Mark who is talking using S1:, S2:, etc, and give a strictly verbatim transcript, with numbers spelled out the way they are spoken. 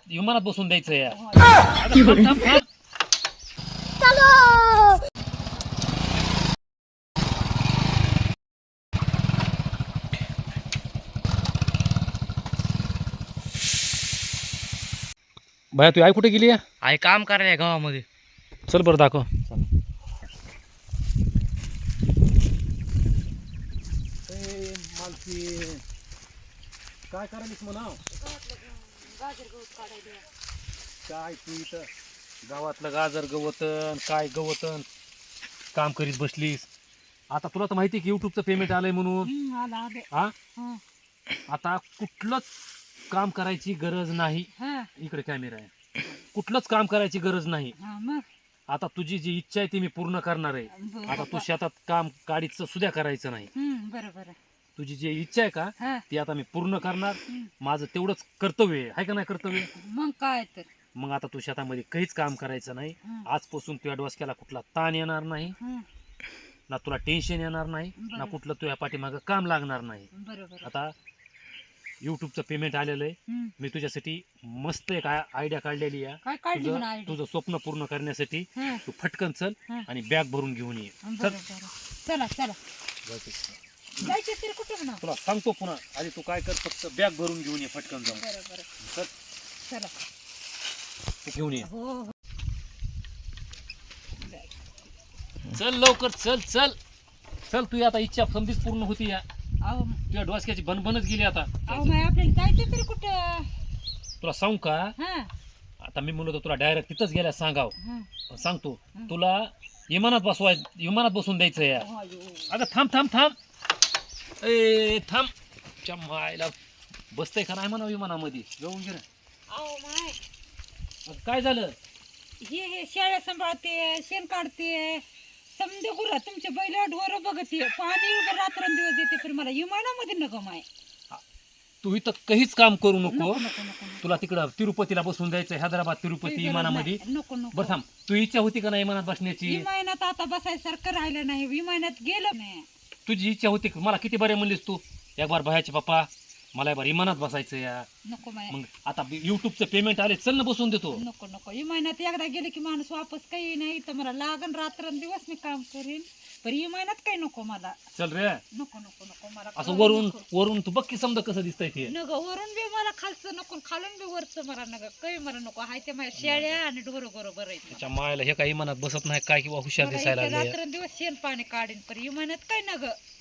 S1: विमानात बसून द्यायचं या बाया. तू आई कुठे गेली आहे?
S2: आई काम करायला गावामध्ये.
S1: चल बरं दाखव. काय करायलीस म्हणा? काय तू इथं गावातलं गाजर गवतन काय गवतन काम करीत बसलीस? आता तुला तर माहिती की युट्यूबचं पेमेंट आलंय म्हणून. हा आता कुठलंच काम करायची गरज नाही. इकडे कॅमेरा आहे. कुठलंच काम करायची गरज नाही. आता तुझी जी इच्छा आहे ती मी पूर्ण करणार आहे. आता तू शेतात काम काढीचं सुद्धा करायचं नाही.
S3: बरोबर.
S1: तुझी जी इच्छा आहे का ती आता मी पूर्ण करणार. माझं तेवढंच कर्तव्य आहे का नाही कर्तव्य?
S3: मग काय तर.
S1: मग आता तू शेतामध्ये काहीच काम करायचं नाही. आजपासून तुझ्या डोसक्याला कुठला ताण येणार नाही, ना तुला टेन्शन येणार नाही, ना कुठलं तुझ्या पाठीमागं काम लागणार नाही.
S3: बरोबर.
S1: आता युट्यूबचं पेमेंट आलेलं आहे. मी तुझ्यासाठी मस्त एक आयडिया काढलेली आहे. तुझं तुझं स्वप्न पूर्ण करण्यासाठी तू फटकन चल आणि बॅग भरून घेऊन ये.
S3: चला चला.
S1: तुला सांगतो पुन्हा. आधी तू काय कर, फक्त बॅग भरून घेऊन ये फटकन जाऊन. चल
S3: चला
S1: घेऊन ये.
S3: हो.
S1: चल लवकर चल चल चल. तू आता इच्छा समधीच पूर्ण होती या.
S3: अहो
S1: तुझ्या डोसक्याची बनबनच गेली आता.
S3: अहो नाही आपल्याला जायचं तरी कुठं?
S1: तुला सांगू का?
S3: हा
S1: आता मी म्हणलो तुला डायरेक्ट तिथंच गेल्या सांगाव.
S3: हा.
S1: पण सांगतो तुला विमानात बसवाय विमानात बसून द्यायचं या. अगं थांब थांब थांब. ए थांब. च्या मायला बसतंय का नाही म्हणा विमानामध्ये? जाऊन गे.
S3: अहो माय
S1: काय झालं?
S3: हे हे शेळ्या सांभाळते, शेण काढते, समजे गुर तुमचे बैल ढोर बघते, पाणी रात्रंदिवस देते, पण मला विमानामध्ये नको माय.
S1: तू इथं काहीच काम करू नको.
S3: नको नको नको.
S1: तुला तिकडं तिरुपतीला बसून द्यायचं, हैदराबाद तिरुपती विमानामध्ये.
S3: नको नको.
S1: बरं थांब. तू इच्छा होती का नाही विमानात बसण्याची?
S3: विमानात आता बसायसारखं राहिलं नाही. विमानात गेलं नाही.
S1: तुझी इच्छा होती का? मला किती बरे म्हणलीस तू एक बार भयाचे पप्पा मला एक बार विमानात बसायचं या.
S3: नको माय.
S1: मग आता युट्यूबचं पेमेंट आले, चल ना बसून देतो.
S3: नको नको. विमानात एकदा गेले की माणूस वापस काही नाही. तर मला लागन रात्रंदिवस मी काम करीन, पण विमानात काही नको मला.
S1: चल रे.
S3: नको नको नको. मला
S1: असं वरून वरून तू बघ की समजा कसं दिसतंय ते.
S3: नको. वरून बी मला खालचं नको, खालून बी वरचं मला नका. काही मला नको. हाय ते माझ्या शेळ्या आणि ढोर बरोबर आहे.
S1: त्याच्या मायला हे काही विमानात बसत नाही काय किंवा हुशार दिसायला लागले.
S3: रात्रंदिवस शेण पाणी काढीन, पण विमानात काय नग.